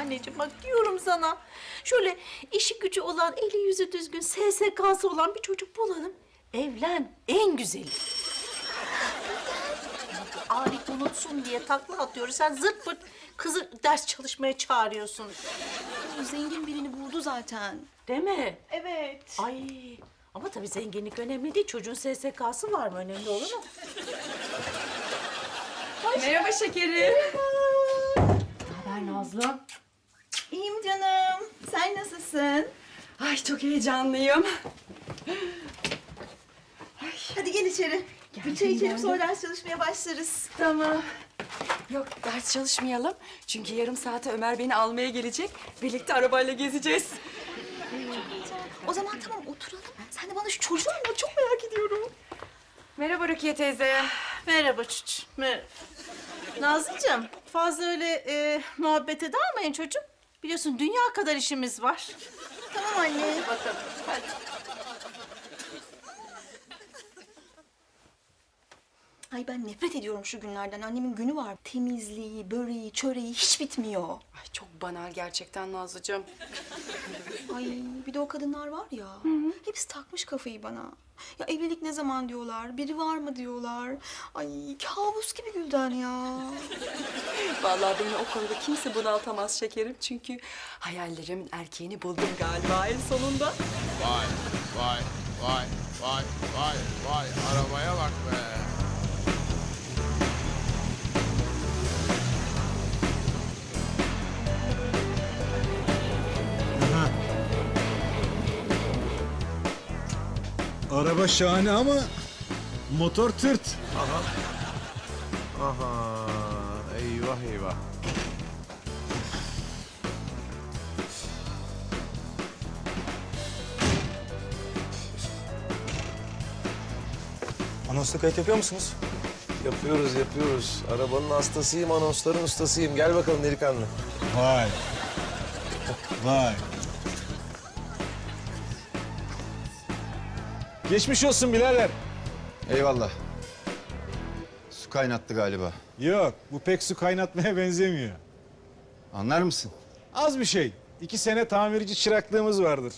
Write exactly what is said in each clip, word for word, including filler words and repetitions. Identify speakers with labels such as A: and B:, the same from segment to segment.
A: anneciğim, bak diyorum sana. Şöyle işi gücü olan, eli yüzü düzgün, S S K'sı olan bir çocuk bulalım. Evlen, en güzeli. Arif unutsun diye takla atıyoruz. Sen zırt pırt kızı ders çalışmaya çağırıyorsun.
B: Zengin birini buldu zaten.
A: Değil mi?
B: Evet.
A: Ay, ama tabii zenginlik önemli değil. Çocuğun S S K'sı var mı? Önemli olur mu?
B: Merhaba şekerim.
A: Ne haber Nazlı?
B: İyiyim canım. Sen nasılsın?
C: Ay çok heyecanlıyım.
B: Hadi gel içeri. Bir çay içelim sonra ders çalışmaya başlarız.
C: Tamam. Yok ders çalışmayalım. Çünkü yarım saate Ömer beni almaya gelecek. Birlikte arabayla gezeceğiz.
B: O zaman tamam oturalım. Sen de bana şu çocuğu anlat. Çok merak ediyorum.
C: Merhaba Rukiye teyze.
A: Merhaba çocuğum, merhaba. Nazlıcığım, fazla öyle e, muhabbete dalmayın çocuğum. Biliyorsun dünya kadar işimiz var.
B: Tamam anne.
A: Bakalım, hadi.
B: Ay ben nefret ediyorum şu günlerden. Annemin günü var. Temizliği, böreği, çöreği hiç bitmiyor.
C: Ay çok banal gerçekten Nazlıcığım.
B: Ay bir de o kadınlar var ya. Hepsi takmış kafayı bana. Ya evlilik ne zaman diyorlar, biri var mı diyorlar. Ay kabus gibi Gülden ya.
C: Vallahi beni o konuda kimse bunaltamaz şekerim. Çünkü hayallerimin erkeğini buldum galiba en sonunda.
D: Vay, vay, vay, vay, vay, vay. Arabaya bak be.
E: Araba şahane ama motor tırt.
D: Aha, eyvah eyvah.
F: Anonsla kayıt yapıyor musunuz?
G: Yapıyoruz, yapıyoruz. Arabanın hastasıyım, anonsların ustasıyım. Gel bakalım delikanlı.
E: Vay. Vay. Geçmiş olsun birader.
F: Eyvallah. Su kaynattı galiba.
E: Yok, bu pek su kaynatmaya benzemiyor.
F: Anlar mısın?
E: Az bir şey. İki sene tamirci çıraklığımız vardır.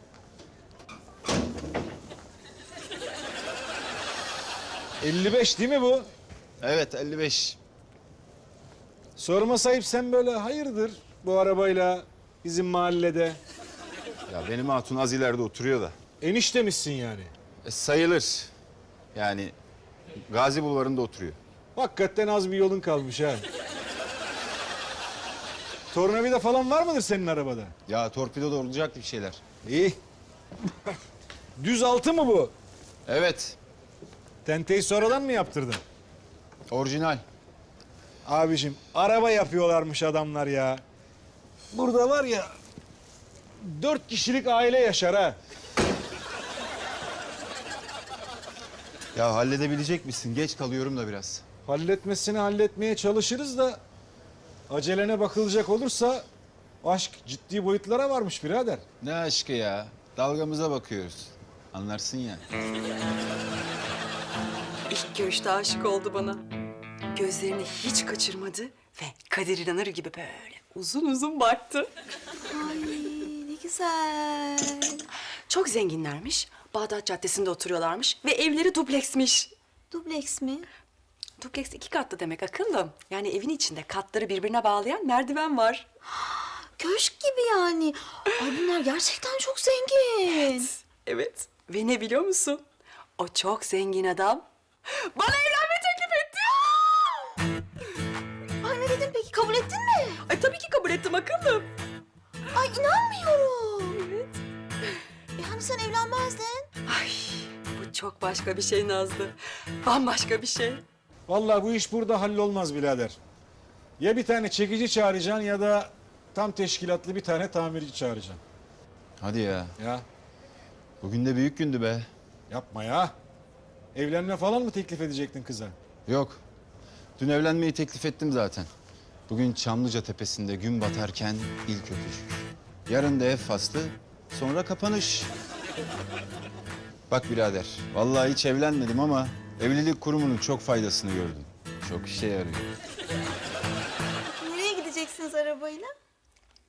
E: elli beş değil mi bu?
F: Evet, elli beş.
E: Sorma sahip, sen böyle hayırdır bu arabayla bizim mahallede?
F: Ya benim hatun az ileride oturuyor da.
E: Eniştemişsin yani.
F: E, sayılır. Yani Gazi Bulvarı'nda oturuyor.
E: Hakikaten az bir yolun kalmış ha. Tornavida falan var mıdır senin arabada?
F: Ya torpido da olacaktı bir şeyler.
E: İyi. Düz altı mı bu?
F: Evet,
E: Tenteyi sonradan mı yaptırdın?
F: orijinal.
E: Abicim araba yapıyorlarmış adamlar ya. Burada var ya dört kişilik aile yaşar ha.
F: Ya halledebilecek misin? Geç kalıyorum da biraz.
E: Halletmesini halletmeye çalışırız da acelene bakılacak olursa aşk ciddi boyutlara varmış birader.
F: Ne aşkı ya? Dalgamıza bakıyoruz. Anlarsın ya.
C: İlk görüşte aşık oldu bana. Gözlerini hiç kaçırmadı ve Kadir İnanır gibi böyle uzun uzun baktı.
B: Ay ne güzel.
C: Çok zenginlermiş. Bağdat Caddesi'nde oturuyorlarmış ve evleri dupleksmiş.
B: Dubleks mi?
C: Dupleks iki katlı demek akıllım. Yani evin içinde katları birbirine bağlayan merdiven var.
B: Köşk gibi yani. Ay bunlar gerçekten çok zengin.
C: Evet. Ve ne biliyor musun? O çok zengin adam bana evlenme teklif etti.
B: Ay ne dedin peki, kabul ettin mi?
C: Ay tabii ki kabul ettim akıllım.
B: Ay inanmıyorum. Evet. E hani sen evlenmezdin?
C: Ay bu çok başka bir şey Nazlı. Bambaşka bir şey.
E: Vallahi bu iş burada hallolmaz birader. Ya bir tane çekici çağıracaksın ya da tam teşkilatlı bir tane tamirci çağıracaksın.
F: Hadi ya.
E: Ya
F: Bugün de büyük gündü be.
E: yapma ya. Evlenme falan mı teklif edecektin kıza?
F: Yok. Dün evlenmeyi teklif ettim zaten. Bugün Çamlıca Tepesi'nde gün batarken ilk öpücük. Yarın da ev faslı, sonra kapanış. Bak birader, vallahi hiç evlenmedim ama evlilik kurumunun çok faydasını gördüm. Çok işe yarıyor.
B: Nereye gideceksiniz arabayla?